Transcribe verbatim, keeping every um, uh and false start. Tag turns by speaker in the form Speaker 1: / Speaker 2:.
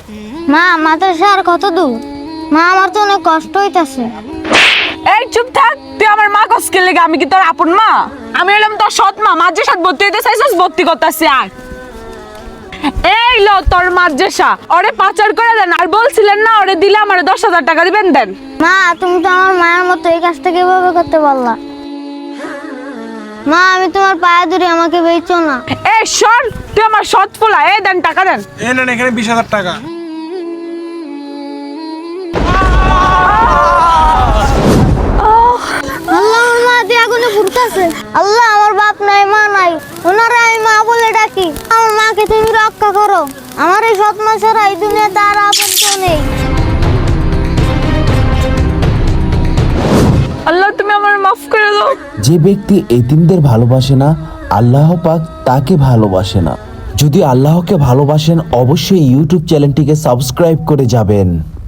Speaker 1: মা মাদ্রাসা আর কত দূর? মা আমার তো অনেক কষ্ট হইতাছে।
Speaker 2: এই চুপ থাক, তুই আমার মা কসকে লেগে, আমি কি তোর আপন মা? আমি হলাম তোর সৎ মা। মাদ্রাসাত ভর্তি হইতে চাইছিস, ভর্তি করতেছি আয়। এই লো তোর মাদ্রাসা, ওরে পাচার করে দেন। আর বলছিলেন না ওরে দিলে আমার দশ হাজার টাকা দিবেন, দেন।
Speaker 1: মা তুমি তো আমার মায়ের মতো, এই কাজটা কিভাবে করতে পারলা? মা আমি তোমার পায়ে ধরি, আমাকে বেচো না।
Speaker 2: এই শোন, তুই আমার সৎ ফুলা, এই দেন টাকা দেন।
Speaker 3: এই নেন এখানে বিশ হাজার টাকা।
Speaker 1: আল্লাহ, আমার মা দিয়ে আগুনে পুড়তাছে। আল্লাহ, আমার বাপ নাই মা নাই, ওনারা আমি মা বলে ডাকি। আমার মাকে তুমি রক্ষা করো। আমার এই সৎ মা ছাড়া এই দুনিয়াতে আর আপন কেউ নেই।
Speaker 2: আল্লাহ তুমি আমার মাফ করে দাও।
Speaker 4: যে ব্যক্তি এতিমদের ভালোবাসে না, আল্লাহ পাক তাকে ভালোবাসে না। যদি আল্লাহকে ভালোবাসেন, অবশ্যই ইউটিউব চ্যানেলটিকে সাবস্ক্রাইব করে যাবেন।